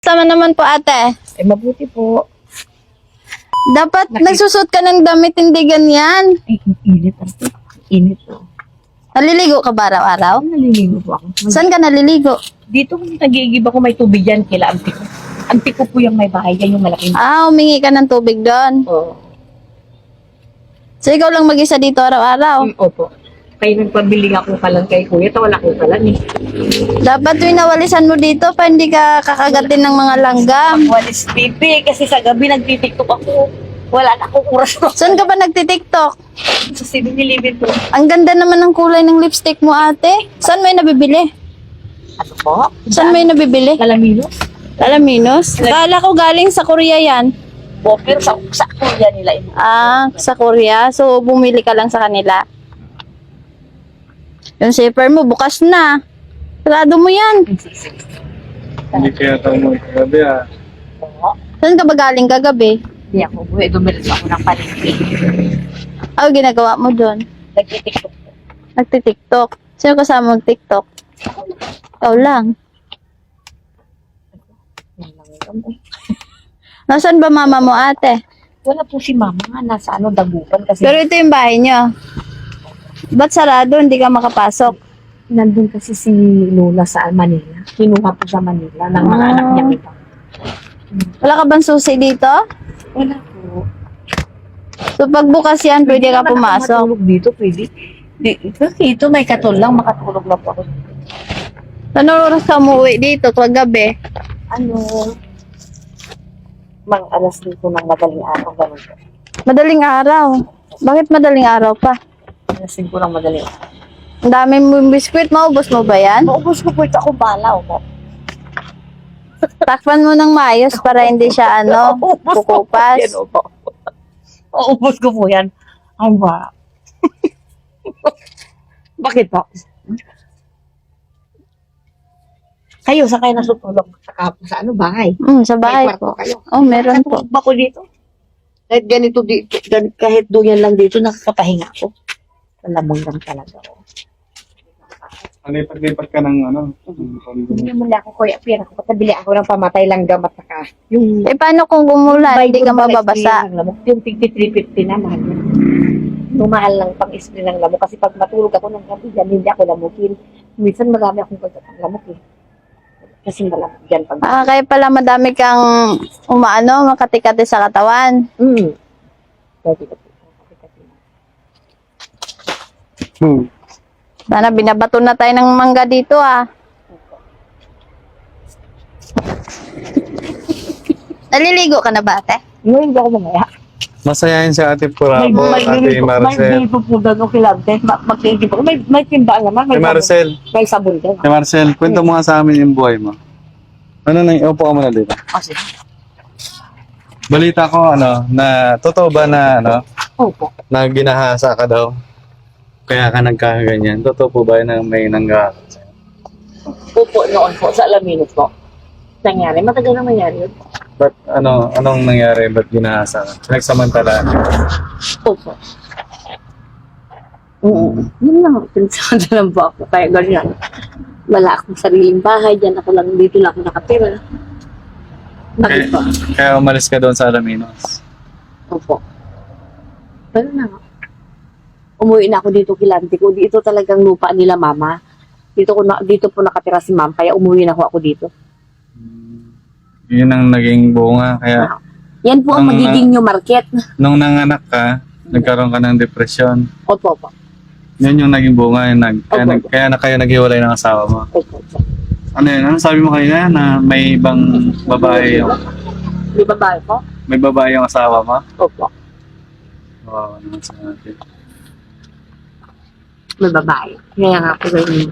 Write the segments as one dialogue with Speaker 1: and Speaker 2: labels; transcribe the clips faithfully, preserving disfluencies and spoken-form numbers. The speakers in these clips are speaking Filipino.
Speaker 1: Sama naman po ate.
Speaker 2: Eh, mabuti po.
Speaker 1: Dapat
Speaker 2: Nakita-
Speaker 1: nagsusot ka ng damit, hindi ganyan.
Speaker 2: Ay, ang init. Ang init po.
Speaker 1: Naliligo ka ba araw-araw?
Speaker 2: Naliligo po ako.
Speaker 1: Saan ka naliligo?
Speaker 2: Dito kung nagigib ako may tubig yan, kila auntie ko. Auntie ko po yung may bahay, yan yung malaking.
Speaker 1: Ah, humingi ka ng tubig doon.
Speaker 2: Oo.
Speaker 1: So ikaw lang mag-isa dito araw-araw.
Speaker 2: Mm, opo. Kaya nagpabili nga ko palang kay kuya, tawala ko palang eh.
Speaker 1: Dapat winawalisan mo dito pa hindi ka kakagatin ng mga langgam.
Speaker 2: Walis pipi, kasi sa gabi nagtitiktok ako. Wala na akong oras mo.
Speaker 1: Saan ka ba nagtitiktok?
Speaker 2: Sa seven eleven po.
Speaker 1: Ang ganda naman ng kulay ng lipstick mo ate. Saan mo yung nabibili?
Speaker 2: Ano po?
Speaker 1: Saan mo yung nabibili?
Speaker 2: Kalaminos?
Speaker 1: Alaminos? Kala ko galing sa Korea yan.
Speaker 2: Po, pero sa, sa kuya nila yun.
Speaker 1: Ah, sa Korea. So bumili ka lang sa kanila. Yung zipper mo bukas na. Sarado mo yan.
Speaker 3: Hindi kaya tayo mo kagabi ah.
Speaker 2: Oo.
Speaker 1: Saan ka ba galing kagabi?
Speaker 2: Hindi ako buhay, dumilis ako ng palengke.
Speaker 1: Ano ginagawa mo doon?
Speaker 2: Nagtitiktok po.
Speaker 1: Nagtitiktok. Sino kasama mag-tiktok? Ikaw lang.
Speaker 2: Yan lang yun.
Speaker 1: Nasaan ba mama mo ate?
Speaker 2: Wala po si mama nga, nasa ano, dagupan kasi.
Speaker 1: Pero ito yung bahay niyo. Ba't sarado? Hindi ka makapasok.
Speaker 2: Nandun kasi si Lola sa Manila. Kinuha po sa Manila ng mga
Speaker 1: Ah.
Speaker 2: anak niya kita.
Speaker 1: Wala ka bang susi dito?
Speaker 2: Wala po.
Speaker 1: So pagbukas yan, pwede ka
Speaker 2: naman ako
Speaker 1: pumasok.
Speaker 2: matulog dito, pwede. Di, kasi ito may katol lang, makatulog lang po ako.
Speaker 1: Ano oras ka umuwi dito kagabi?
Speaker 2: Ano? Mang alas dito ng madaling araw, ganun po.
Speaker 1: Madaling araw. Bakit madaling araw pa?
Speaker 2: Alas ko ng madaling araw.
Speaker 1: Ang dami mo biskwit, maubos mo ba yan?
Speaker 2: Maubos ko po ito, ako bala po.
Speaker 1: Takpan mo ng maayos para hindi siya ano,
Speaker 2: Maubos ko po yan,
Speaker 1: kukupas.
Speaker 2: opo. Maubos ko po yan. Ang ba? Bakit po? Kayo, sa kayo nasutulog sa, sa ano, bahay?
Speaker 1: Mm, sa bahay
Speaker 2: May kwarto
Speaker 1: po.
Speaker 2: kayo.
Speaker 1: Oh, meron po.
Speaker 2: Natulog ba ko dito? Kahit ganito dito, gan- kahit doon yan lang dito, nakakapahinga ako. Malamang lang talaga ako.
Speaker 3: Lipat-lipat ka ng ano.
Speaker 2: Hindi mo na ako, kuya, pira ko. Patabili ako ng pamatay lang gamat saka. Yung
Speaker 1: Eh, paano kung umulan, hindi ka
Speaker 2: Bible pala,
Speaker 1: mababasa?
Speaker 2: spray ng lamok. Yung tigti-three fifty na, mahal yun. Tumahal lang pang spray ng lamok. Kasi pag matulog ako ng gabi dyan, hindi ako lamukin. Minsan marami akong pagkatang lamok eh. Kasi malamok dyan pag...
Speaker 1: Ah, kaya pala madami kang umaano, makatikati sa katawan.
Speaker 2: Hmm. Pwede ko po.
Speaker 3: Hmm.
Speaker 1: Sana binabato na tayo ng mangga dito ah. Naliligo ka na ba ate?
Speaker 2: Ngayon hindi ako mamaya.
Speaker 3: Masayahin si Ate Purabo, Ate Marcel.
Speaker 2: May pupudan o kilante. Mag-iigib ako. May, may timbaan naman.
Speaker 3: Ate
Speaker 2: May
Speaker 3: Marcel,
Speaker 2: sabon. May sabon din.
Speaker 3: Ate Marcel, kwento mo nga sa amin yung buhay mo. Ano nang, upo ka muna dito.
Speaker 2: Kasi,
Speaker 3: Balita ko, ano, na, totoo ba na, ano,
Speaker 2: opo.
Speaker 3: na ginahasa ka daw? Kaya ka nagkakaganyan. Totoo po ba yun na may nanggahasa sa'yo?
Speaker 2: Opo noon po sa Alaminos po. Nangyari. Matagal na nangyari yun.
Speaker 3: Ba't, ano, anong nangyari? Ba't ginahasa ka? Nagsamantala.
Speaker 2: Opo. Oo. Yun lang. Pinsanda lang po ako. Kaya ganyan. Wala akong sariling bahay. Diyan ako lang. Dito lang ako nakatira. Bakit
Speaker 3: Kaya,
Speaker 2: po?
Speaker 3: kaya umalis ka doon sa Alaminos.
Speaker 2: Opo. Pero na nga. Umuwi na ako dito kilante ko. Dito talagang lupa nila mama. Dito ko na, dito po nakatira si ma'am. Kaya umuwi na ako, ako dito.
Speaker 3: Yun ang naging bunga. Kaya,
Speaker 2: Yan po ang
Speaker 3: Ang,
Speaker 2: magiging new market.
Speaker 3: nung nanganak ka, nagkaroon ka ng depression.
Speaker 2: Opo, opo.
Speaker 3: Yun yung naging bunga. Yung nag, kaya,
Speaker 2: Opo.
Speaker 3: nag, kaya na kayo naghiwalay ng asawa mo.
Speaker 2: Opo, opo.
Speaker 3: Ano yun? Ano sabi mo kanina na may ibang babae yung,
Speaker 2: Di ba ba po?
Speaker 3: may babae yung asawa mo?
Speaker 2: Opo.
Speaker 3: Oo, naman sa natin.
Speaker 2: May babae. Kaya nga po ganyan.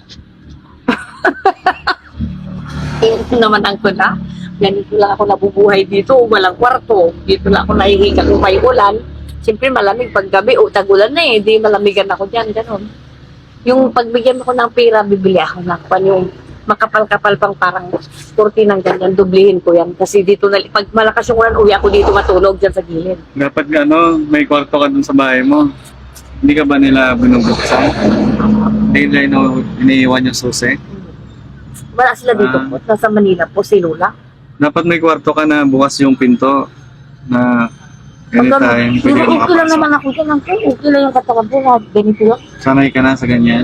Speaker 2: Ito naman ang kuna. Ganito lang ako nabubuhay dito. Walang kwarto. Dito lang ako nahihiga kung may ulan. Siyempre malamig pag gabi o tagulan na eh. Di malamigan ako dyan. Ganon. Yung pagbigyan mo ko ng pera, bibili ako ng pan yung makapal-kapal pang parang kurti ng ganyan. Dublihin ko yan. Kasi dito, na, pag malakas yung ulan, uwi ako dito matulog dyan sa gilid.
Speaker 3: Dapat ano, may kwarto ka dun sa bahay mo. Hindi ka ba nila binubuksan? Hindi nila ino- iniiwan yung susi?
Speaker 2: Wala sila dito
Speaker 3: Ah.
Speaker 2: po. Nasa Manila po, si Lola.
Speaker 3: Dapat may kwarto ka na bukas yung pinto na anytime.
Speaker 2: Pero
Speaker 3: Pwede ka
Speaker 2: okay lang
Speaker 3: makapasok.
Speaker 2: naman ako dyan. Uncle. Okay lang yung katawan ko. Ganito lang.
Speaker 3: Sanay ka na sa ganyan.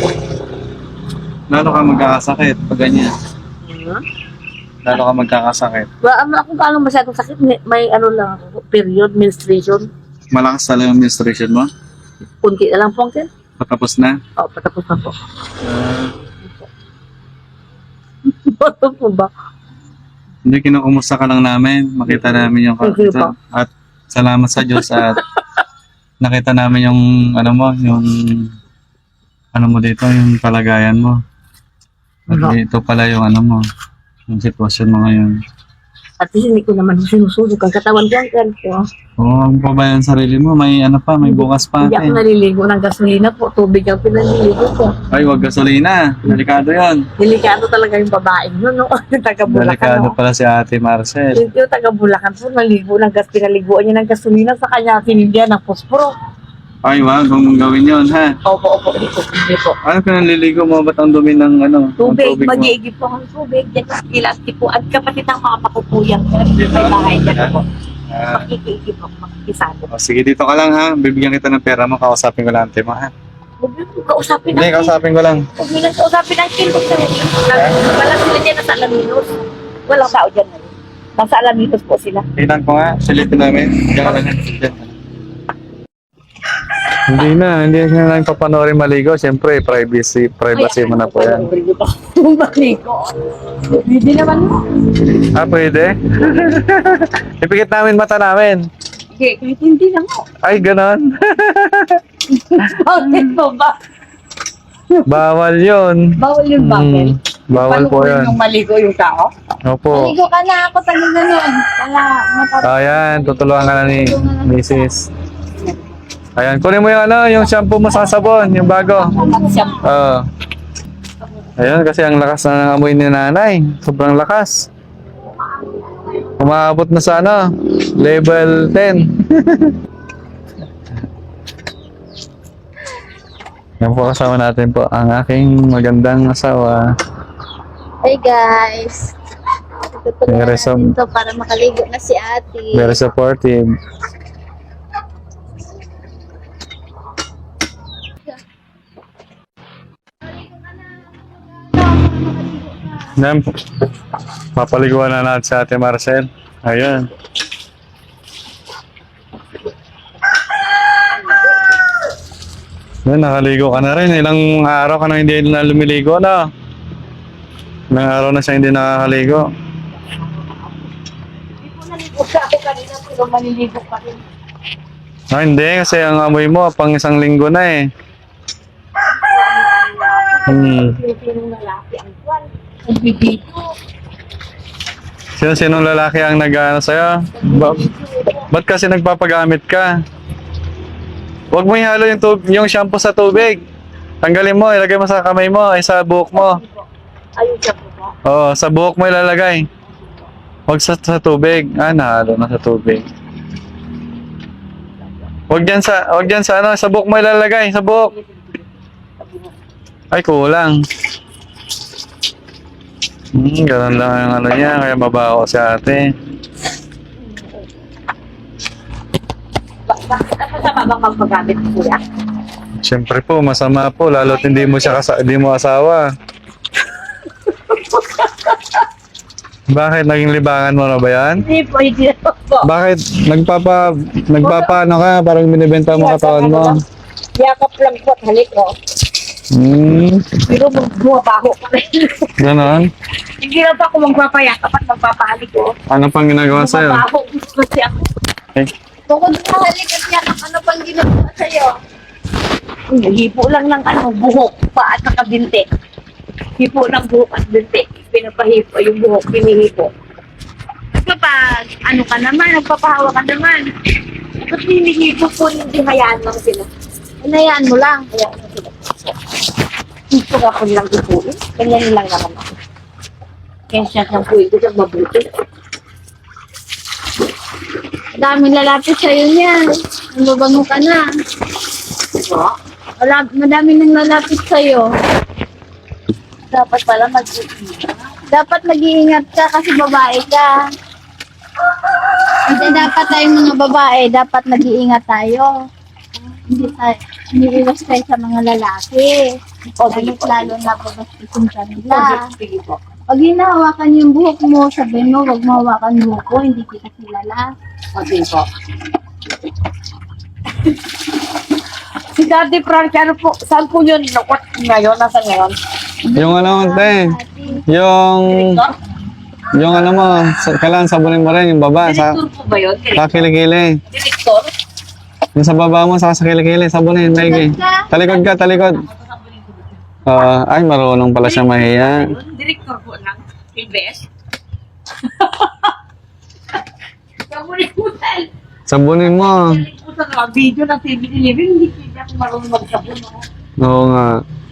Speaker 3: Lalo ka magkakasakit pag ganyan.
Speaker 2: Hmm?
Speaker 3: Lalo ka magkakasakit.
Speaker 2: Ba, ano ako paano masyadong sakit? May, may ano lang ako, period, menstruation.
Speaker 3: Malakas talaga yung menstruation mo.
Speaker 2: Kunti na lang po, Uncle.
Speaker 3: Patapos na.
Speaker 2: O, patapos na po.
Speaker 3: Ah,
Speaker 2: Ano po ba?
Speaker 3: hindi, kinukumusta ka lang namin. Makita namin yung
Speaker 2: Thank you po.
Speaker 3: At salamat sa Diyos at nakita namin yung ano mo, yung ano mo dito, yung kalagayan mo. At
Speaker 2: Ano?
Speaker 3: ito pala yung ano mo, yung sitwasyon mo ngayon.
Speaker 2: At least hindi ko naman sinusunog ang katawan ko, Uncle. O,
Speaker 3: Oo, ang pa ba yung sarili mo? May ano pa, may bukas pa.
Speaker 2: Hindi ako
Speaker 3: Eh.
Speaker 2: naliligo ng gasolina po. Tubig ang pinaliligo ko.
Speaker 3: Ay, wag gasolina. Delikado yon.
Speaker 2: Delikado talaga yung babaeng yun, no? Yung taga-Bulacan,
Speaker 3: Delikado
Speaker 2: no?
Speaker 3: pala si Ate Marcel.
Speaker 2: Yung yung taga-Bulacan po, naligo ng gas, pinaliguan niya ng gasolina sa kanya, sinigyan ng posporo.
Speaker 3: Ay, wag mong gawin yon, ha?
Speaker 2: Opo, opo, hindi po, hindi po.
Speaker 3: Ano pinaliligo mo? Ba't ang dumi ng ano? ng
Speaker 2: Tubig,
Speaker 3: mo?
Speaker 2: mag-iigib po ang tubig. Yan ang ilasti po. At kapatid ng mga pakupuyang may bahay dyan po.
Speaker 3: Ah,
Speaker 2: Makikiigib po, makikisado.
Speaker 3: oh, sige, dito ka lang, ha? Bibigyan kita ng pera mo. Kausapin ko lang, ate mo, ha?
Speaker 2: Huwag niyo po kausapin
Speaker 3: Hindi,
Speaker 2: natin.
Speaker 3: kausapin ko lang.
Speaker 2: Huwag niyo lang kausapin ng kilok na rin. Wala sila dyan nasa Alaminos. Walang tao dyan na rin. Nasa Alaminos po sila.
Speaker 3: Tingnan ko nga. Silipin namin. Diyan ka lang. Diyan. Hindi na, hindi na lang papanoorin maligo. Siyempre, privacy, privacy mo na po yan.
Speaker 2: Maligo. Hindi naman mo.
Speaker 3: Ah, pwede? Ipikit namin mata namin.
Speaker 2: Okay, kahit hindi na mo.
Speaker 3: Ay, ganon.
Speaker 2: Bakit mo ba?
Speaker 3: Bawal yun.
Speaker 2: Bawal yung bakit?
Speaker 3: Hmm, bawal po
Speaker 2: Paano
Speaker 3: yan.
Speaker 2: yung maligo yung tao?
Speaker 3: Opo.
Speaker 1: Maligo ka na ako, tagal na nun. Wala, matapos.
Speaker 3: Ayan, tutulungan ka na ni Missus Ayan, kunin mo yung ano, yung shampoo mo sa sabon, yung bago. Oo. Ayan, kasi ang lakas na ng amoy ni nanay. Sobrang lakas. Umaabot na sa ano, level ten. Yan po kasama natin po ang aking magandang asawa.
Speaker 1: Hey guys. Tutulungan
Speaker 3: Very some-
Speaker 1: natin to para makaligo na si ate.
Speaker 3: Very supportive. Yan. Papaliguan na natin si Ate Marcel. Ayan. Yan, nakaligo ka na rin. Ilang araw ka na hindi na lumiligo na. Ilang araw na siya hindi nakakaligo.
Speaker 2: Hindi po naligo ka ako kanina pero maliligo pa rin.
Speaker 3: Ah, hindi, kasi ang amoy mo pang isang linggo na eh. Hmm.
Speaker 2: Sinong lalaki ang kwan. Ang bibito.
Speaker 3: Sino-sinong lalaki ang nag-ano sa'yo? Ba ba't kasi nagpapagamit ka? Huwag mo ihalo yung, tub yung shampoo sa tubig. Tanggalin mo, ilagay mo sa kamay mo, ay sa buhok mo.
Speaker 2: Ayun siya po ba?
Speaker 3: Oo, sa buhok mo ilalagay. Huwag sa, sa tubig. Ah, nahalo na sa tubig. Huwag dyan sa, huwag dyan sa ano, sa buhok mo ilalagay, sa buhok. Ay, kulang. Hmm, ganun lang ang ano niya, kaya mabaho si ate.
Speaker 2: Ba- Bakit ang masama bang magpagamit kuya?
Speaker 3: Siyempre po, masama po, lalo't hindi mo siya kasa hindi mo asawa. Bakit? Naging libangan mo na ba yan?
Speaker 2: Hindi po, hindi na po.
Speaker 3: Bakit? Nagpapa, nagpapa ano ka, parang binibenta mo katawan mo.
Speaker 2: Yakap lang po at halik ko.
Speaker 3: Hmm,
Speaker 2: Pero bumabaho pa rin.
Speaker 3: ganon.
Speaker 2: Hindi lang pa ako magpapayakap at magpapahalik ko.
Speaker 3: Ano pang ginagawa sa'yo?
Speaker 2: Bumabaho kasi ako.
Speaker 3: Eh,
Speaker 1: Bukod sa halik at yakap, ano pang ginagawa sa'yo?
Speaker 2: Hipo lang ng ano, buhok pa at nakabinte. Hipo ng buhok at binte. Pinapahipo yung buhok, pinihipo. Kapag ano ka naman, nagpapahawa ka naman. Ba't hinihipo po, hindi hayaan lang sila.
Speaker 1: Hinayaan mo lang.
Speaker 2: Hayaan lang sila. Hipo ka po nilang hipuin. Ganyan lang naman ako. Kaya siya siyang puwi ko siyang mabuti.
Speaker 1: Daming lalapit sa'yo niyan. Mababango ka na.
Speaker 2: Diba?
Speaker 1: Wala, madami nang lalapit sa'yo. Dapat pala mag-iingat. Dapat mag-iingat ka kasi babae ka. Kasi dapat tayong mga babae, dapat mag-iingat tayo. Hindi tayo, iniiwas tayo sa mga lalaki. O, lalo lalo na pabastisin kanila.
Speaker 2: Sige po.
Speaker 1: Pag hinahawakan yung buhok mo, sabihin mo, huwag mahawakan buhok ko, hindi kita kilala.
Speaker 2: Okay po. Si Daddy Frank, ano po, saan po yun? What ngayon? Nasaan ngayon?
Speaker 3: Yung ano, te, yung,
Speaker 2: Director?
Speaker 3: yung ano mo, sa- kailangan sabunin mo rin yung baba, sa,
Speaker 2: Director po ba yun?
Speaker 3: sa kilikili.
Speaker 2: Director?
Speaker 3: Yung sa baba mo, sa sa kilikili, sabunin, maigi. Talikod ka, talikod. Ah, ay, marunong pala siya mahiya.
Speaker 2: Director po ng P B S. Kamunin po tayo.
Speaker 3: Sabunin mo.
Speaker 2: Po sa mga video ng T V eleven, hindi hindi ako marunong magsabon. No?
Speaker 3: Oo nga.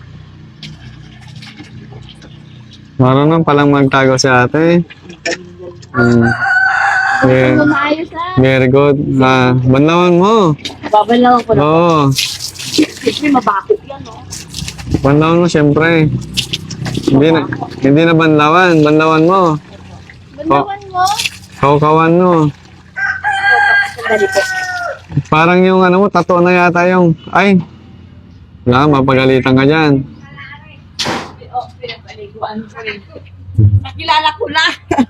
Speaker 3: Marunong palang magtago si ate. Hmm. Yeah.
Speaker 1: Ano maayos ah?
Speaker 3: Very good. Ah, banlawan mo.
Speaker 2: Babalawan ko na.
Speaker 3: Oo.
Speaker 2: Kasi mabakot yan, no?
Speaker 3: Banlawan mo, syempre. Hindi na, hindi na banlawan. Banlawan mo.
Speaker 1: Bandawan mo?
Speaker 3: Kaukawan mo.
Speaker 2: Sandali po.
Speaker 3: Parang yung ano mo, tattoo na yata yung, ay. Wala, mapagalitan ka dyan.
Speaker 2: Oh, pinapaliguan ko rin. Nakilala ko na.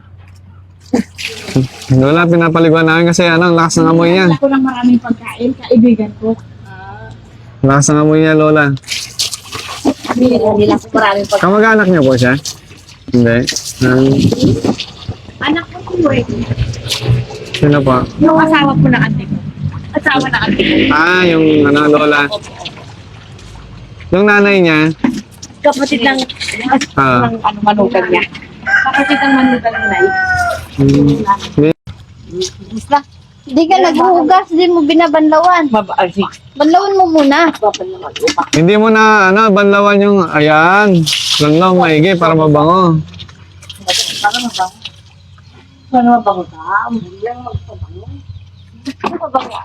Speaker 3: Wala, pinapaliguan namin kasi ano, ang lakas ng amoy niya.
Speaker 2: Nakilala ko ng maraming pagkain, kaibigan ko. Ah.
Speaker 3: Lakas ng amoy niya, Lola.
Speaker 2: Nakilala ko maraming pagkain.
Speaker 3: Kamag-anak niyo po siya? Hindi. Um,
Speaker 2: Anak ko po eh.
Speaker 3: sino po?
Speaker 2: Yung asawa ko na ate ko. Asawa na ate ko.
Speaker 3: Ah, yung ano, Lola. Yung nanay niya,
Speaker 2: Kapatid ng,
Speaker 3: Ah.
Speaker 2: ng ano, manugan niya. Kapatid ng manugan nila.
Speaker 3: hmm, hindi.
Speaker 2: Basta,
Speaker 1: Hindi ka naghuhugas, hindi mo binabanlawan.
Speaker 2: mabaasi.
Speaker 1: Banlawan mo muna.
Speaker 2: Babal naman upa.
Speaker 3: Hindi mo na, ano, banlawan yung, ayan, banlaw, maigi, para mabango.
Speaker 2: Para mabango. Para mabango ka. Hindi lang magpabango. Ano mabango?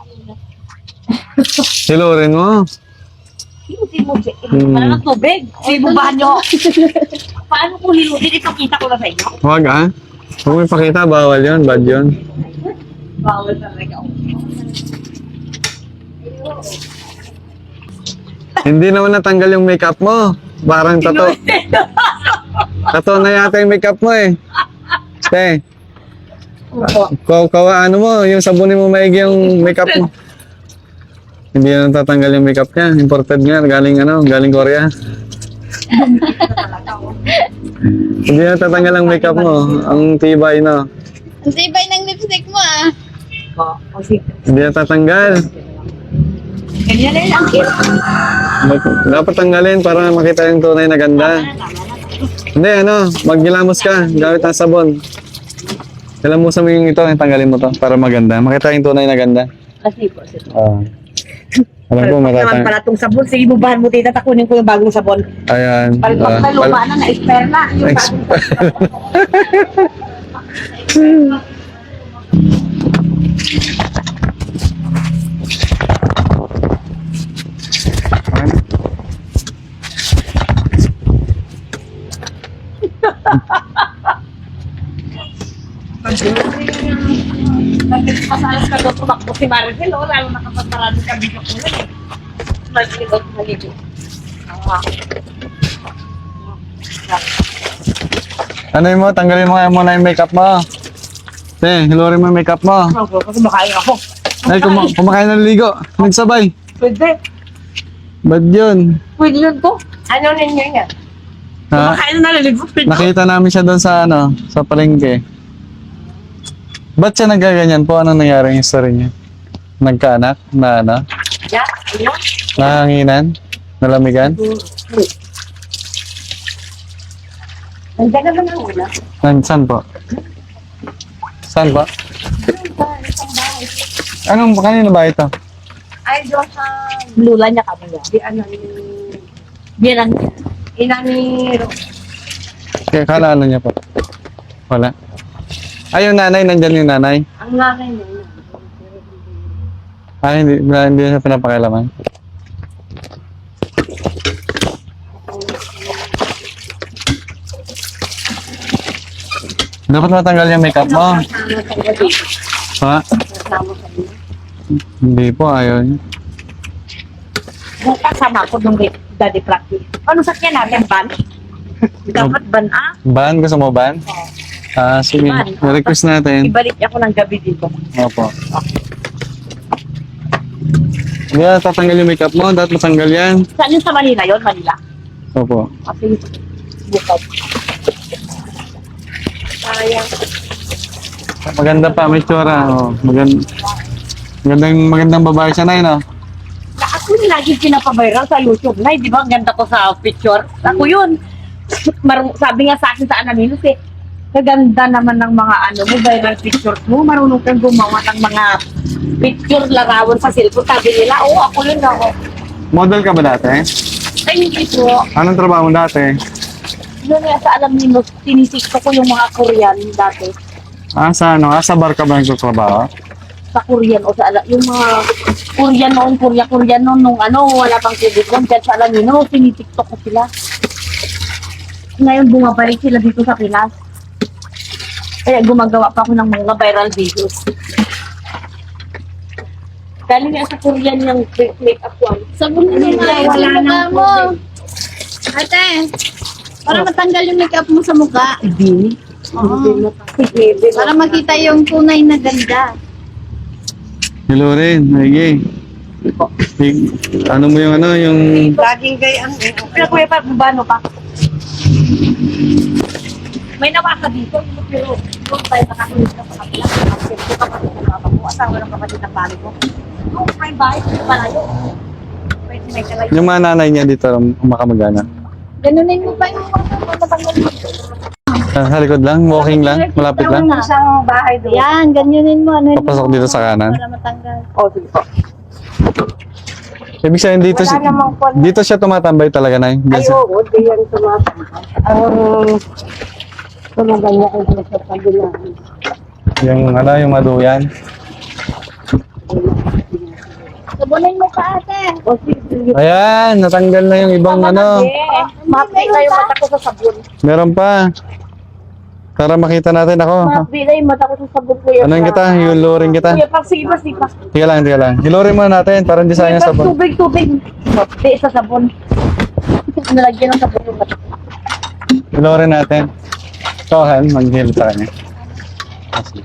Speaker 3: Silurin mo.
Speaker 2: Hindi mo,
Speaker 3: Hmm.
Speaker 2: hindi mo na ng tubig. Sibubahan nyo. Paano ko hilutin? Ipakita ko na sa inyo.
Speaker 3: Huwag ah. Huwag mo ipakita, bawal yun, bad yun.
Speaker 2: Bawal talaga.
Speaker 3: Hindi naman natanggal yung makeup mo. Parang tato. Tato na yata yung makeup mo eh. Te, kaw kawa ano mo, yung sabunin mo maigi yung makeup mo. Hindi na natatanggal yung makeup niya. Imported nga, galing ano, galing Korea. Hindi na natatanggal ang makeup mo. Ang tibay, no?
Speaker 1: Ang tibay ng lipstick mo ah.
Speaker 2: Oh, kasi
Speaker 3: Hindi na tatanggal.
Speaker 2: ganyan na lang.
Speaker 3: Mag- dapat tanggalin para makita yung tunay na ganda. Hindi, ano, maggilamos ka. Gamit ang sabon. Gilamusan mo yung ito, tanggalin mo to para maganda. Makita yung tunay na ganda.
Speaker 2: Kasi po, sir.
Speaker 3: Oo. Alam ko,
Speaker 2: Naman
Speaker 3: matatang...
Speaker 2: pala itong sabon. Sige, bubahan mo tita. Takunin ko yung bagong sabon.
Speaker 3: Ayan.
Speaker 2: Palpak na
Speaker 3: ah,
Speaker 2: luma
Speaker 3: pal-
Speaker 2: na, na-expire na. Yung bagong Nagpasalas ka doon tumakbo si Maricel, oh, lalo nakapagparado ka dito ko lang eh. Maricel, maligo. Ah.
Speaker 3: Ano yun mo? Tanggalin mo nga muna yung makeup mo. Te, hilurin mo yung makeup mo.
Speaker 2: Ako, kasi makain ako.
Speaker 3: Ay, kum- kumakain na ligo. Nagsabay.
Speaker 2: Pwede.
Speaker 3: Ba't yun?
Speaker 2: Pwede yun to. Ano ninyo yan?
Speaker 3: Ha?
Speaker 2: Kumakain na naliligo. Pwede.
Speaker 3: Nakita namin siya doon sa ano, sa palengke. Ba't siya nagaganyan po? Anong nangyari yung story niya? Nagkaanak? Na ano?
Speaker 2: Yeah, ano?
Speaker 3: Nahanginan? Nalamigan?
Speaker 2: Nandiyan naman ang una.
Speaker 3: Nan, saan po? Saan po? Anong, kanino ba ito?
Speaker 2: Ay, doon sa lula niya kami niya. Di ano ni... Di lang niya. Ina ni...
Speaker 3: Kaya kalala niya po. Wala. Ay, yung nanay, nandyan yung nanay.
Speaker 2: Ang nanay niya.
Speaker 3: Ay, hindi, hindi siya pinapakialaman. Dapat matanggal yung makeup mo. Ha? Hindi po, ayun.
Speaker 2: Kung kasama ko nung daddy practice. Ano sakyan natin, ban? Dapat ban ah?
Speaker 3: Ban? Gusto mo ban? Ah, sige.
Speaker 2: Ban.
Speaker 3: Request natin.
Speaker 2: Ibalik ako ng gabi dito.
Speaker 3: Opo. Hindi na tatanggal yung makeup mo. Dapat matanggal yan.
Speaker 2: Saan yun sa Manila yun? Manila?
Speaker 3: Opo.
Speaker 2: Kasi bukod. Sayang.
Speaker 3: Maganda pa, may tsura. Oh, magand magandang, magandang babae siya na yun, oh.
Speaker 2: Na ako yung lagi pinapaviral sa YouTube. Nay, di ba ang ganda ko sa picture? Ako yun. Mar- sabi nga sa akin sa Anaminos eh, kaganda naman ng mga ano mo, viral pictures mo. Marunong kang gumawa ng mga picture larawan sa cellphone. Sabi nila, oo, ako yun ako.
Speaker 3: Model ka ba dati?
Speaker 2: Ay, hindi po.
Speaker 3: Anong trabaho mo dati?
Speaker 2: Yun nga sa Anaminos, tinisikto ko yung mga Korean dati.
Speaker 3: Ah, sa ano? Ah, sa bar ka ba nagtatrabaho?
Speaker 2: Sa Korean o sa ala- yung mga Korean noon, Korea, Korean noon, nung ano, wala pang COVID noon, dyan sa Alamino, tinitiktok ko sila. Ngayon, bumabalik sila dito sa Pinas. Kaya gumagawa pa ako ng mga viral videos. Galing nga sa Korean yung make-up one.
Speaker 1: Sabon na nga
Speaker 2: Wala
Speaker 1: yung mukha
Speaker 2: nang
Speaker 1: mo. Ate, para matanggal yung makeup mo sa mukha.
Speaker 2: Hindi.
Speaker 1: Oo.
Speaker 2: Sige,
Speaker 1: Para makita yung tunay na ganda.
Speaker 3: Hello rin, Maigi. Ano mo yung ano, yung...
Speaker 2: laging gayang eh. Pero kuya pa, bubano pa. May nawa ka dito, pero doon tayo nakakulit ka sa kapila. Kasi ito kapatid ng mama ko, asawa ng kapatid ng pari ko. Doon, may bahay, ito pala yun. Pwede may kalayo.
Speaker 3: Yung mga nanay niya dito, makamagana.
Speaker 1: Ganunin mo pa yung mukha mo matanggal mo.
Speaker 3: Ah, sa likod lang, walking lang, malapit lang.
Speaker 2: Isang bahay doon.
Speaker 1: Yan, ganyanin mo. Ano
Speaker 3: Papasok dito sa kanan.
Speaker 1: Para matanggal.
Speaker 2: Oh, sige po.
Speaker 3: Ibig sabihin dito, si- dito siya tumatambay talaga na.
Speaker 2: Ay, oo, di yan tumatang. Ang tulugan niya kung sa kabilang.
Speaker 3: Yung ano, yung maduyan.
Speaker 1: Sabunin mo pa ate.
Speaker 2: O, sige.
Speaker 3: Ayan, natanggal na yung ibang ano.
Speaker 2: Mapi na yung mata ko sa sabon.
Speaker 3: Meron pa. Para makita natin ako.
Speaker 2: Mapi na yung mata ko sa sabon, kuya.
Speaker 3: Ano yung kita? Hilurin kita.
Speaker 2: Kuya, pag sige pa, sige pa.
Speaker 3: Tiga lang, tiga lang. Hilurin muna natin para hindi sayang
Speaker 2: Kuya, pag
Speaker 3: sabon.
Speaker 2: tubig, tubig. Mapi sa sabon. Nalagyan ng sabon yung mata.
Speaker 3: Hilurin natin. Ikaw, Han, mag-heal sa kanya. Ah, sige.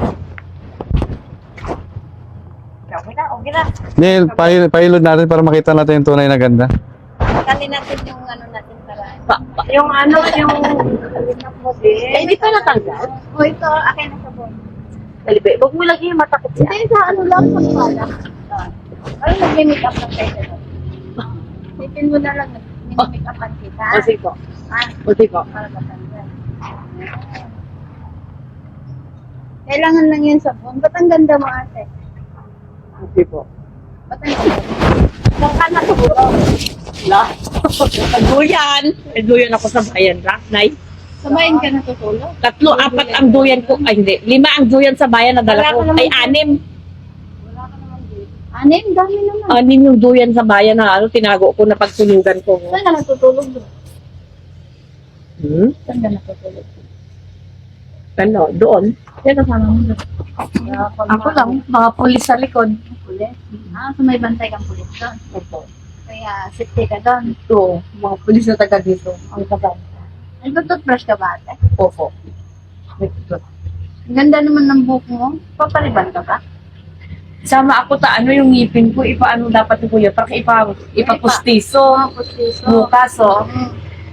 Speaker 2: Okay na, okay na.
Speaker 3: Hindi, pahil- pahilod natin para makita natin yung tunay na ganda.
Speaker 1: Tanggalin natin yung ano natin para.
Speaker 2: Pa, pa, yung ano, yung... Eh, hindi pa natanggal.
Speaker 1: O ito, akin na sabon.
Speaker 2: Dalibe, huwag mo lagi yung mata ko siya.
Speaker 1: Hindi, sa ano lang, sa pala. Ay, nag-make up lang tayo. Sipin mo na lang, nag-make upan kita.
Speaker 2: O, sige po.
Speaker 1: Ah,
Speaker 2: O, sige po.
Speaker 1: para matanggal. Kailangan lang yun sabon. Ba't ang ganda mo ate?
Speaker 2: O, sige po.
Speaker 1: Ba't ang ganda?
Speaker 2: Saan ka na siguro? Wala. Nagduyan. Nagduyan ako sa bayan, ra? Nay?
Speaker 1: Samayin ka natutulog?
Speaker 2: Tatlo, apat ang duyan ko. Ay, hindi. Lima ang duyan sa bayan na dala ko. Ay, anim.
Speaker 1: Anim, dami naman.
Speaker 2: Anim yung duyan sa bayan na ano, tinago ko na pagtulugan ko.
Speaker 1: Saan ka natutulog doon?
Speaker 2: Hmm?
Speaker 1: Saan ka natutulog?
Speaker 2: Ano, doon.
Speaker 1: Sino kasama mo doon?
Speaker 2: Ako lang, mga pulis sa likod.
Speaker 1: Pulis? Ah, so may bantay kang pulis doon.
Speaker 2: Ito.
Speaker 1: Kaya safety ka doon.
Speaker 2: Ito, mga pulis na taga dito. Ang taga.
Speaker 1: Nag-toothbrush ka ba ate?
Speaker 2: Opo.
Speaker 1: Ang ganda naman ng buhok mo. Papaliban ka ba?
Speaker 2: Sama ako ta, ano yung ngipin ko, ipaano dapat ko yun, para ipa, ipapustiso,
Speaker 1: Ah, pustiso.
Speaker 2: bukas, oh.
Speaker 1: Mm.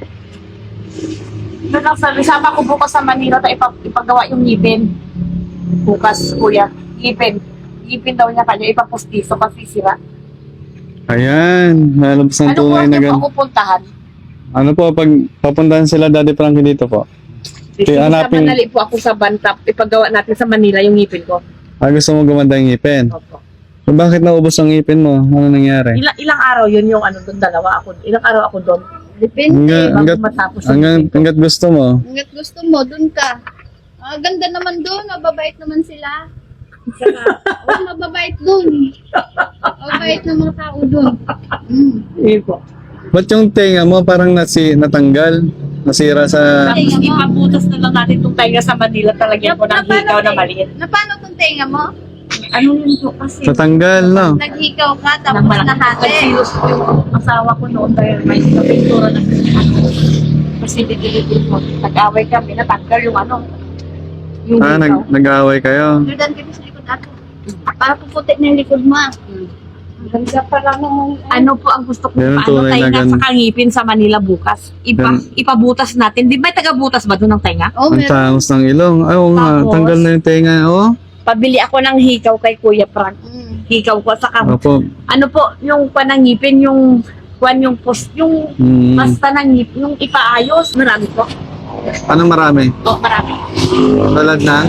Speaker 2: Doon lang sabi, sama ko bukas sa Manila, ta ipa, ipagawa yung ngipin. Bukas, kuya. Ngipin. Ngipin daw niya kanya, ipapustiso kasi sira.
Speaker 3: Ayan, lalabas ng
Speaker 2: Ano po
Speaker 3: tunay na
Speaker 2: ang
Speaker 3: ganda.
Speaker 2: ako puntahan?
Speaker 3: Ano po, pag papuntahan sila Daddy Frankie dito po.
Speaker 2: Sige,
Speaker 3: hanapin-
Speaker 2: sa Manali po ako sa Bantap, ipagawa natin sa Manila yung ngipin ko.
Speaker 3: Ah, gusto mo gumanda yung ngipin.
Speaker 2: Opo.
Speaker 3: Bakit naubos ang ngipin mo? Ano nangyari?
Speaker 2: Ilang, ilang araw yun yung ano doon, dalawa ako. Ilang araw ako doon.
Speaker 1: Depende.
Speaker 3: Hanggat,
Speaker 2: Bago
Speaker 3: hanggat,
Speaker 2: matapos yung
Speaker 3: hanggat,
Speaker 2: ngipin ko.
Speaker 3: hanggat gusto mo.
Speaker 1: Hanggat gusto mo, doon ka. Ah, ganda naman doon. Mababait naman sila. Saka, oh, mababait doon. Mababait ng mga tao doon. Mm.
Speaker 2: Sige po.
Speaker 3: Ba't yung tenga mo parang nasi, natanggal? nasira sa...
Speaker 2: Tapos ipabutas na lang natin itong tainga sa Manila. Talagyan ko ng
Speaker 1: Na-
Speaker 2: hikaw na
Speaker 1: te-
Speaker 2: maliit.
Speaker 1: Na paano kung tenga mo?
Speaker 2: Ano yun po kasi?
Speaker 3: Natanggal, no?
Speaker 1: Naghikaw ka,
Speaker 2: Nang
Speaker 1: tapos
Speaker 2: malaki.
Speaker 1: nahati.
Speaker 2: Nagsilos yung asawa ko noon dahil may pintura na kasi dito po. Nag-away kami, natanggal yung ano. Yung
Speaker 3: Ah,
Speaker 2: hikaw.
Speaker 3: nag, nag-aaway kayo.
Speaker 1: Jordan, kami sa likod ato. Para puputi na yung likod mo. ah.
Speaker 2: Ang ganda pala nung... Ano po ang gusto ko?
Speaker 3: Yan ang
Speaker 2: Paano
Speaker 3: tunay
Speaker 2: tayo
Speaker 3: na
Speaker 2: nga
Speaker 3: gan-
Speaker 2: sa kangipin sa Manila bukas? Ipa,
Speaker 3: Yan.
Speaker 2: ipabutas natin. Di ba taga-butas ba doon ng tainga?
Speaker 1: Oh,
Speaker 3: Ang
Speaker 1: meron.
Speaker 3: tangos ng ilong. Ay, oo nga,
Speaker 2: Tapos?
Speaker 3: tanggal na yung tenga, oh.
Speaker 2: Pabili ako ng hikaw kay Kuya Frank.
Speaker 1: Mm.
Speaker 2: Hikaw ko sa kam.
Speaker 3: Opo.
Speaker 2: Ano po, yung panangipin, yung kwan yung post, yung
Speaker 3: Hmm.
Speaker 2: basta ng ngip, yung ipaayos, marami po.
Speaker 3: Anong marami?
Speaker 2: Oh, marami.
Speaker 3: Talad na?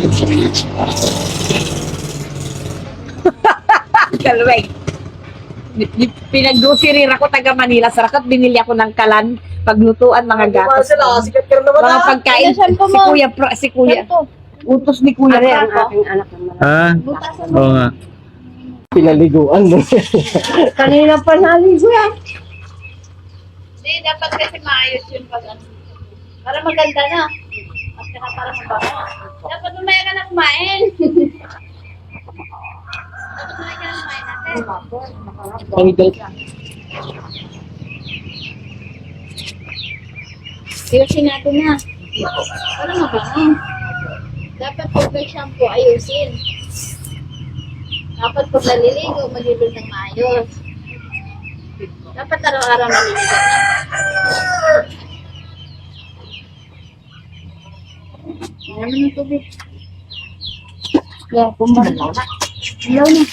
Speaker 2: Kalweg. Pinag-grocery ako taga Manila. Sarakat binili ako ng kalan, paglutuan, mga gatos. Mga pagkain.
Speaker 1: Ano, shampoo
Speaker 2: Si
Speaker 1: mo?
Speaker 2: Kuya, Fra- si Kuya,
Speaker 1: Shampoo.
Speaker 2: utos ni Kuya Frank.
Speaker 3: Ha?
Speaker 1: Butasan mo.
Speaker 3: Oo nga.
Speaker 4: Pinaliguan mo.
Speaker 2: Kanina pa naligo yan.
Speaker 1: Hindi, dapat kasi maayos yun pag ano. Para maganda na. At saka para mabango. Dapat mamaya ka na kumain. Dapat mamaya ka na kumain natin.
Speaker 4: Pangidal.
Speaker 1: Ayusin natin na. Para mabango. Dapat pag may shampoo, ayusin. Dapat pag naliligo, malibig ng maayos. Dapat araw-araw naliligo na. Ano naman ng tubig? Kaya pumalaw na. Ilaw na.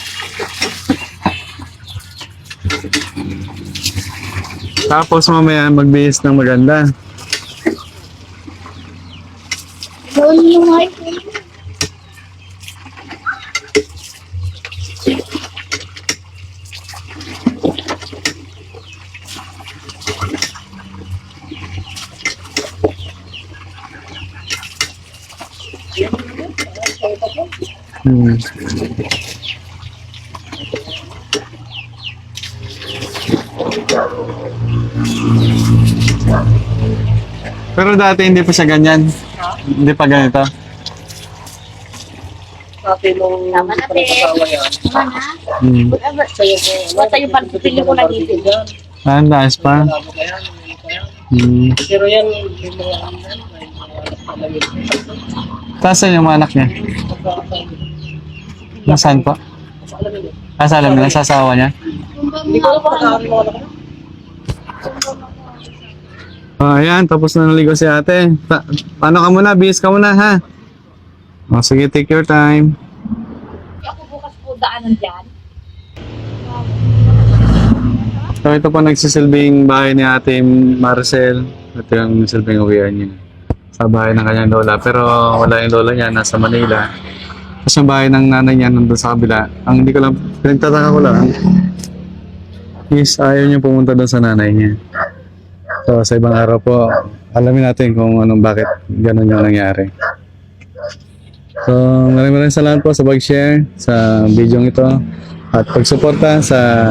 Speaker 3: Tapos mamaya magbihis ng maganda.
Speaker 1: Ilaw na yung mga ito.
Speaker 3: Hmm. Pero dati hindi pa siya ganyan. Hindi pa ganito.
Speaker 4: Sabi nung
Speaker 1: Tama na, te.
Speaker 4: asawa yan.
Speaker 1: Tama na.
Speaker 3: Hmm.
Speaker 2: Whatever. Basta yung pagpili ko na dito.
Speaker 3: Ah, ang taas pa.
Speaker 4: Alam mo kaya, hindi ko yan.
Speaker 3: Hmm.
Speaker 4: Pero yan, yung mga ano yan, may mga pamangit.
Speaker 3: Tasan yung mga anak niya? Nasaan po?
Speaker 4: Sa alam mo,
Speaker 3: Ah, sa alam nila, sa asawa niya?
Speaker 4: hindi ko alam kung nakakari mga anak ko.
Speaker 3: Oh, ayan, tapos na naligo si ate. Ta- paano ka muna? Bihis ka muna, ha? Oh, sige, take your time.
Speaker 2: Ako bukas po daanan dyan.
Speaker 3: So, ito po nagsisilbing bahay ni ate Marcel. Ito yung silbing uwian niya. Sa bahay ng kanyang lola. Pero wala yung lola niya, nasa Manila. Tapos yung bahay ng nanay niya nandun sa kabila. Ang hindi ko lang, pinagtataka ko lang, is ayaw niya pumunta doon sa nanay niya. So, sa ibang araw po, alamin natin kung anong bakit ganun yung nangyari. So, maraming maraming salamat po sa pag-share sa video ito at pagsuporta sa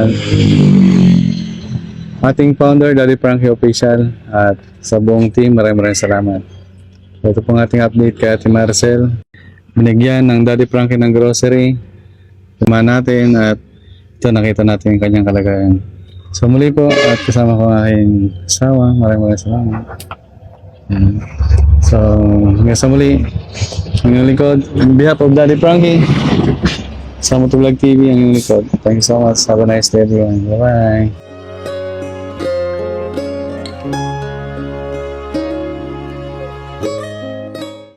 Speaker 3: ating founder, Daddy Frankie Official, at sa buong team. Maraming maraming salamat. So, ito pong ating update kay Ate Marcel. Binigyan ng Daddy Frankie ng grocery. Tumahan natin at ito nakita natin yung kanyang kalagayan. So muli po at kasama ko ang aking asawa. Maraming maraming salamat. Ayan. So hanggang sa muli, ang inyong likod, on behalf of Daddy Frankie, sa Motovlog T V, ang inyong likod. Thank you so much. Have a nice day everyone. Bye bye.